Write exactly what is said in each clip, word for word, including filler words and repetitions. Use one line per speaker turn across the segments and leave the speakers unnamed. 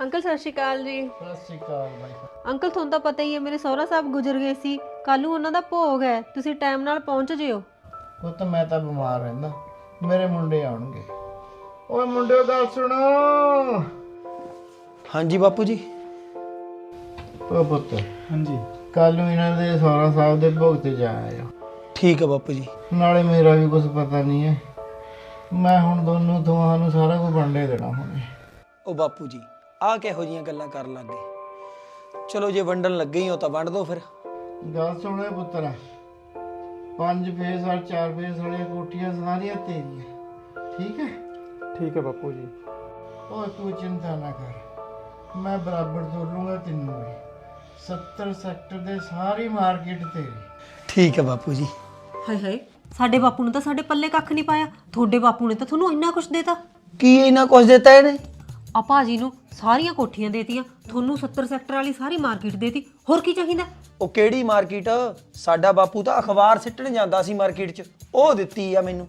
Uncle सत श्री अकाल जी।
सत श्री अकाल भाई।
अंकल ਤੁਹਾਨੂੰ ਤਾਂ ਪਤਾ ਹੀ ਹੈ ਮੇਰੇ ਸਹੁਰਾ ਸਾਹਿਬ ਗੁਜ਼ਰ ਗਏ ਸੀ। ਕੱਲ ਨੂੰ ਉਹਨਾਂ ਦਾ ਭੋਗ ਹੈ, ਤੁਸੀਂ ਟਾਈਮ ਨਾਲ ਪਹੁੰਚ ਜਿਓ।
ਉਹ ਤਾਂ ਮੈਂ ਤਾਂ ਬਿਮਾਰ ਰਹਿੰਦਾ, ਮੇਰੇ ਮੁੰਡੇ ਆਉਣਗੇ। ਓਏ ਮੁੰਡਿਓ ਗੱਲ ਸੁਣੋ।
ਹਾਂਜੀ ਬਾਪੂ ਜੀ।
ਓ ਪੁੱਤ,
ਹਾਂਜੀ
ਕੱਲ ਨੂੰ ਇਹਨਾਂ ਦੇ ਸਹੁਰਾ ਸਾਹਿਬ ਦੇ ਭੋਗ ਤੇ ਜਾ ਆਇਓ।
ਠੀਕ ਹੈ ਬਾਪੂ ਜੀ।
ਨਾਲੇ ਮੇਰਾ ਵੀ ਕੁਝ ਪਤਾ ਨਹੀਂ ਹੈ, ਮੈਂ ਹੁਣ ਦੋਨੋਂ ਤੁਹਾਨੂੰ ਸਾਰਾ ਕੁਝ ਵੰਡੇ ਦੇਣਾ ਹੁਣੇ।
ਉਹ ਬਾਪੂ ਜੀ ਆਹ ਕਿਹੋ ਜੀਆਂ ਗੱਲਾਂ ਕਰਨ ਲੱਗ ਗਏ। ਚਲੋ ਜੇ ਵੰਡਣ ਲੱਗੇ ਹੀ ਹੋ ਤਾਂ ਵੰਡ ਦਿਓ ਫਿਰ।
ਗੱਲ ਸੁਣੋ ਪੁੱਤਰਾ, ਪੰਜ ਫੇਸ ਔਰ ਚਾਰ ਫੇਸ ਵਾਲੀਆਂ ਕੋਠੀਆਂ ਸਾਰੀਆਂ ਤੇਰੀਆਂ, ਠੀਕ ਹੈ?
ਠੀਕ ਹੈ ਬਾਪੂ ਜੀ।
ਓਏ ਤੂੰ ਚਿੰਤਾ ਨਾ ਕਰ, ਮੈਂ ਬਰਾਬਰ ਤੋਲੂੰਗਾ ਤੈਨੂੰ ਵੀ। ਸੱਤਰ ਸੈਕਟਰ ਦੇ ਸਾਰੀ ਮਾਰਕੀਟ ਤੇਰੀ।
ਠੀਕ ਹੈ ਬਾਪੂ ਜੀ।
ਹਾਏ ਹਾਏ, ਸਾਡੇ ਬਾਪੂ ਨੇ ਤਾਂ ਸਾਡੇ ਪੱਲੇ ਕੱਖ ਨਹੀਂ ਪਾਇਆ, ਤੁਹਾਡੇ ਬਾਪੂ ਨੇ ਤਾਂ ਤੁਹਾਨੂੰ ਇੰਨਾ ਕੁਝ ਦੇਤਾ।
ਕੀ ਇਹਨਾਂ ਕੁਝ ਦਿੱਤਾ ਇਹਨੇ?
ਆ ਭਾਜੀ ਨੂੰ ਸਾਰੀਆਂ ਕੋਠੀਆਂ ਦੇਤੀਆਂ, ਤੁਹਾਨੂੰ ਸੱਤਰ ਸੈਕਟਰ ਵਾਲੀ ਸਾਰੀ ਮਾਰਕੀਟ ਦੇਤੀ, ਹੋਰ ਕੀ ਚਾਹੀਦਾ?
ਉਹ ਕਿਹੜੀ ਮਾਰਕੀਟ? ਸਾਡਾ ਬਾਪੂ ਤਾਂ ਅਖਬਾਰ ਸਿੱਟਣ ਜਾਂਦਾ ਸੀ ਮਾਰਕੀਟ 'ਚ, ਉਹ ਦਿੱਤੀ ਆ ਮੈਨੂੰ।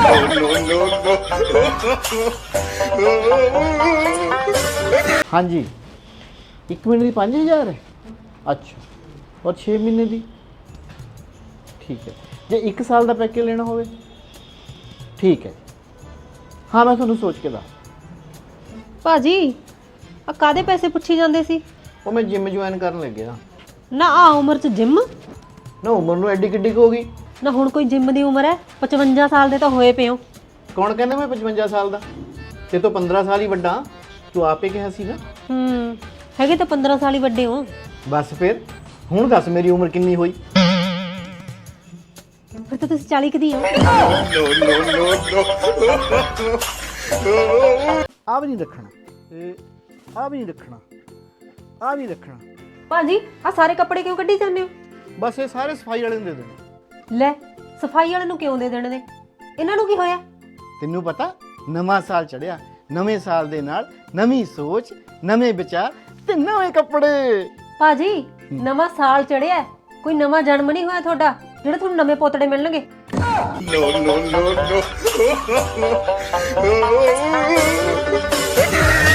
ਹਾਂਜੀ, ਇੱਕ ਮਹੀਨੇ ਦੀ ਪੰਜ ਹਜ਼ਾਰ ਹੈ। ਅੱਛਾ, ਔਰ ਛੇ ਮਹੀਨੇ ਦੀ? ਠੀਕ ਹੈ। ਜੇ ਇੱਕ ਸਾਲ ਦਾ ਪੈਕੇਜ ਲੈਣਾ ਹੋਵੇ? ਠੀਕ ਹੈ, ਹਾਂ ਮੈਂ ਤੁਹਾਨੂੰ ਸੋਚ ਕੇ ਦੱਸ।
ਭਾਜੀ ਆ ਕਾਦੇ ਪੈਸੇ ਪੁੱਛੀ ਜਾਂਦੇ ਸੀ?
ਉਹ ਮੈਂ ਜਿਮ ਜੁਆਇਨ ਕਰਨ ਲੱਗਿਆ
ਨਾ। ਆ ਉਮਰ 'ਚ ਜਿਮ?
ਨਾ ਉਮਰ ਨੂੰ ਐਡੀ ਕਿੱਡੀ ਕੁ ਹੋ ਗਈ?
ਨਾ ਹੁਣ ਕੋਈ ਜਿਮ ਦੀ ਉਮਰ ਹੈ? ਪਚਵੰਜਾ ਸਾਲ ਦੇ ਤਾਂ ਹੋਏ ਪਏ ਹੋ।
ਕੌਣ ਕਹਿੰਦਾ ਮੈਂ ਪਚਵੰਜਾ ਸਾਲ ਦਾ? ਤੇ ਤੋਂ ਪੰਦਰਾਂ ਸਾਲ ਹੀ ਵੱਡਾ, ਤੂੰ ਆਪੇ ਕਿਹਾ ਸੀ ਨਾ।
ਹੂੰ, ਹੈਗੇ ਤਾਂ ਪੰਦਰਾਂ ਸਾਲ ਹੀ ਵੱਡੇ ਹੋ।
ਬਸ ਫਿਰ ਹੁਣ ਦੱਸ ਮੇਰੀ ਉਮਰ ਕਿੰਨੀ ਹੋਈ?
ਫਿਰ ਤਾਂ ਤੁਸੀਂ ਚਾਲੀ ਕੁ ਦੀ ਹੋ।
ਆ ਵੀ ਨਹੀਂ ਰੱਖਣਾ, ਇਹ ਆ ਵੀ ਨਹੀਂ ਰੱਖਣਾ, ਆ ਵੀ ਰੱਖਣਾ।
ਭਾਜੀ ਆ ਸਾਰੇ ਕੱਪੜੇ ਕਿਉਂ ਕੱਢੀ ਜਾਂਦੇ ਹੋ?
ਬਸ ਇਹ ਸਾਰੇ ਸਫਾਈ ਵਾਲੇ ਨੂੰ ਦੇ ਦੇਣੇ।
ਲੈ, ਸਫਾਈ ਵਾਲੇ ਨੂੰ ਕਿਉਂ ਦੇ ਦੇਣੇ ਨੇ? ਇਹਨਾਂ ਨੂੰ ਕੀ ਹੋਇਆ?
ਤੈਨੂੰ ਪਤਾ ਨਵਾਂ ਸਾਲ ਚੜਿਆ, ਨਵੇਂ ਸਾਲ ਦੇ ਨਾਲ ਨਵੀਂ ਸੋਚ, ਨਵੇਂ ਵਿਚਾਰ ਤੇ ਨਵੇਂ ਕੱਪੜੇ।
ਭਾਜੀ ਨਵਾਂ ਸਾਲ ਚੜਿਆ, ਕੋਈ ਨਵਾਂ ਜਨਮ ਨਹੀਂ ਹੋਇਆ ਤੁਹਾਡਾ ਜਿਹੜੇ ਤੁਹਾਨੂੰ ਨਵੇਂ ਪੋਤੜੇ ਮਿਲਣਗੇ।
No, no, no, no.